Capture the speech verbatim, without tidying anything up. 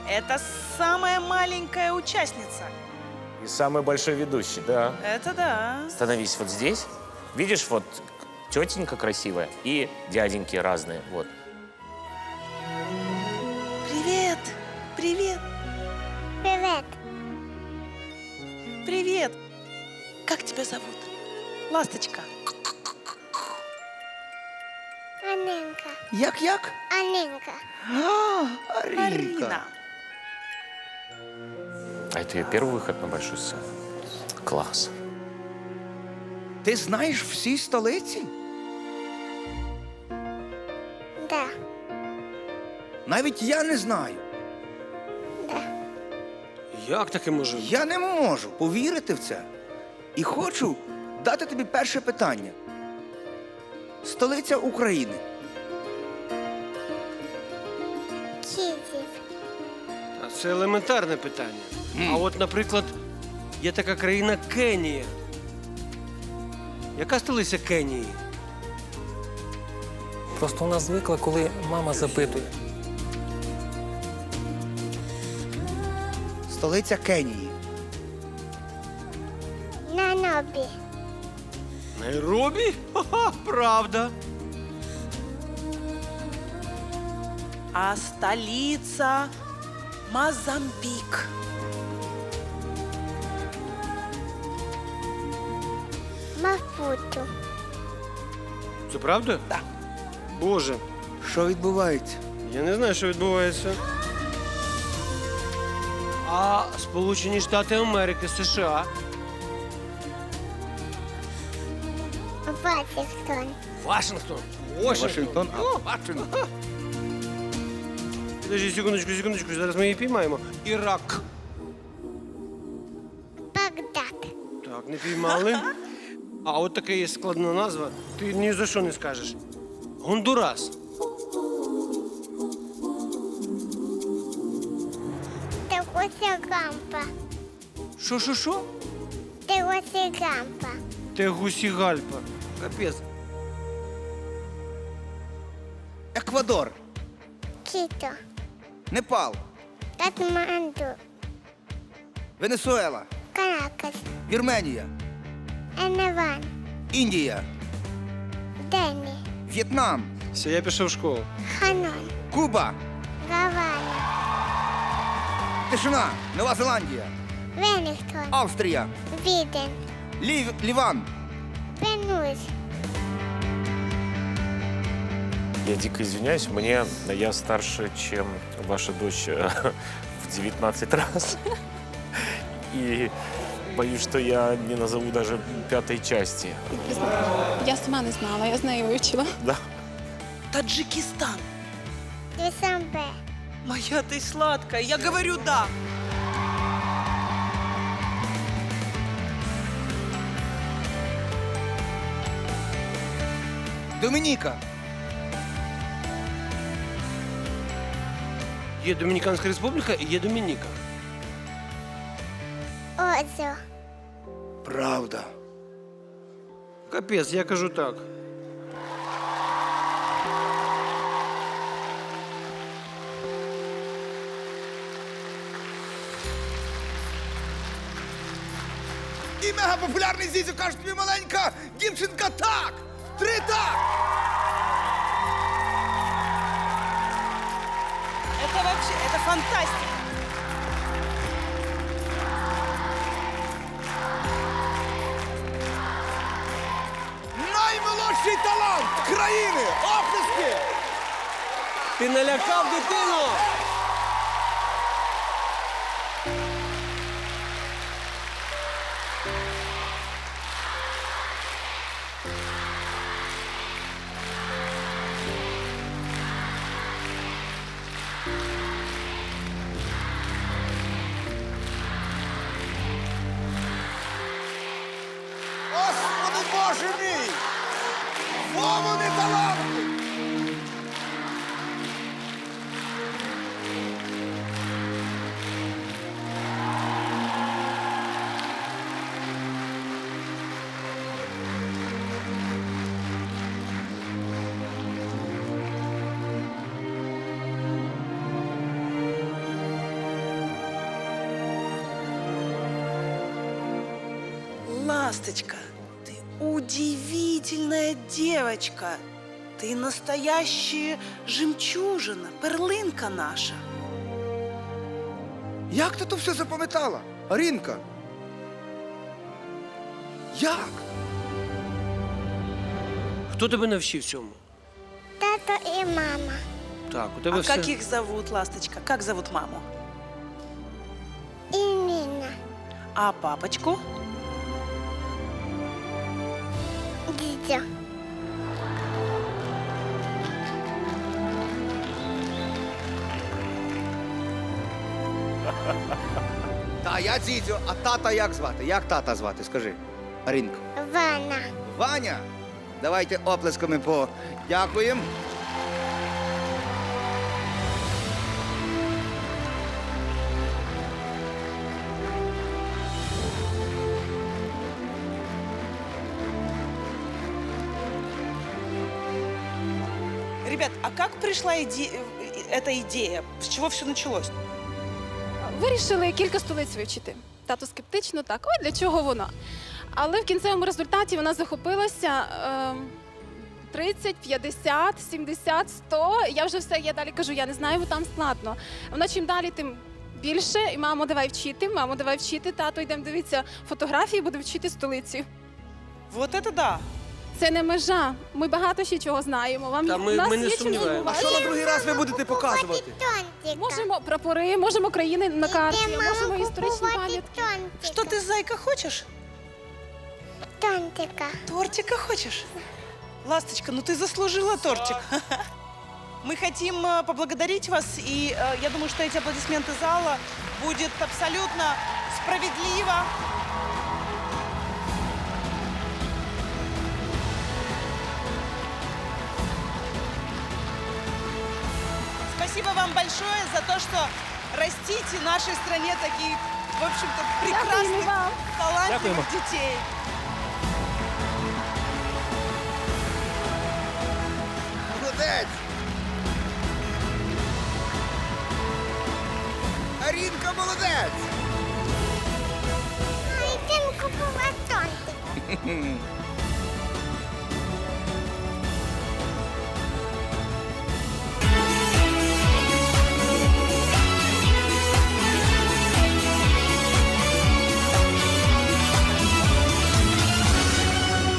Это самая маленькая участница. И самый большой ведущий, да. Это да. Становись вот здесь. Видишь, вот тетенька красивая и дяденьки разные. Вот. Привет. Привет. Привет. Привет. Как тебя зовут? Ласточка. Анинка. Як-як? Анинка. А, Арінка. Арина. А это ее первый выход на большую сцену. Класс. Ти знаєш всі столиці? Да. Навіть я не знаю. Да. Як таке може бути? Я не можу повірити в це. І хочу дати тобі перше питання. Столиця України. Київ. Та це елементарне питання. А от, наприклад, є така країна Кенія. Яка столиця Кенії? Просто у нас звикла, коли мама запитує. Столиця Кенії. Найробі. Найробі? Ха-ха, правда. А столица Мозамбик. Мапуту. Це правда? Да. Боже, Що відбувається? я не знаю, що відбувається. А Сполучені Штати Америки, США. Вашингтон. Вашингтон. Вашингтон. А, Вашингтон. Подожди, секундочку, секундочку, зараз ми її піймаємо. Ірак. Багдад. Так, не піймали. А от така є складна назва. Ти ні за що не скажеш. Гондурас. Тегусігампа. Що, що, що? Тегусігампа. Тегусігальпа. Капець. Еквадор. Кіто. Непал. Катманду. Венесуела. Каракас. Вірменія. Еневан. Індія. Дені. В'єтнам. Все, я пішов в школу. Ханой. Куба. Гавана. Тишина. Нова Зеландія. Велінгтон. Австрія. Віден. Лів... Ліван. Пенуз. Я дико извиняюсь, мне я старше, чем ваша дочь э, в девятнадцать раз. И боюсь, что я не назову даже пятой части. Я сама не знала, я з нею вивчила. Да. Таджикистан. Дюсамбе. Моя ты сладкая. Я говорю да. Домініка. Є Домініканська Республіка і є Домініка. Озо. Правда. Капець, я кажу так. І мегапопулярний Зізю каже тобі маленька дівчинка так! Три так! Это вообще, это фантастика. Наймолодший талант країни! Оплески! Ти налякав дитину! Господи Боже мій! Во вони таланти! Ласточка, ты удивительная девочка. Ты настоящая жемчужина, перлинка наша. Як ти то все запам'ятала, Арінка? Як? Хто тебе навчив цьому? Тато і мама. Так, у тебе А все. как их зовут, Ласточка? Как зовут маму? І Ніна. А папочку? Дідьо. Та я дідьо, а тата як звати? Як тата звати? Скажи. Арінка. Вана. Ваня. Давайте оплесками подякуємо. Ребят, а как пришла иде- э, эта идея? С чего все началось? Вирішили кілька столиць вивчити. Тато скептично, так, ой, для чого воно? Але в кінцевому результаті вона захопилася е, тридцять, п'ятдесят, сімдесят, сто. Я вже все, я далі кажу, я не знаю, бо там складно. Вона чим далі, тим більше. І мамо, давай вчити, мамо, давай вчити. Тато, йдемо дивитися фотографії, будемо вчити столиці. Вот это да. Це не межа. Ми багато ще чого знаємо. Вам Та ми- у нас ми не є чим сумніваємося. А здивувати. що на другий раз ви будете показувати? Тонтика. Можемо прапори, можемо країни на карті, Йдемо можемо історичні купувати пам'ятки. тонтика. Что ты, зайка, хочешь? Тонтика. Тортика хочешь? Ласточка, ну ты заслужила тортик. Мы хотим э, поблагодарить вас, и э, я думаю, что эти аплодисменты зала будет абсолютно справедливо. Спасибо вам большое за то, что растите в нашей стране таких, в общем-то, прекрасных, вам. талантливых детей. Молодець! Арінка молодець! Йдемо купувати тонтик.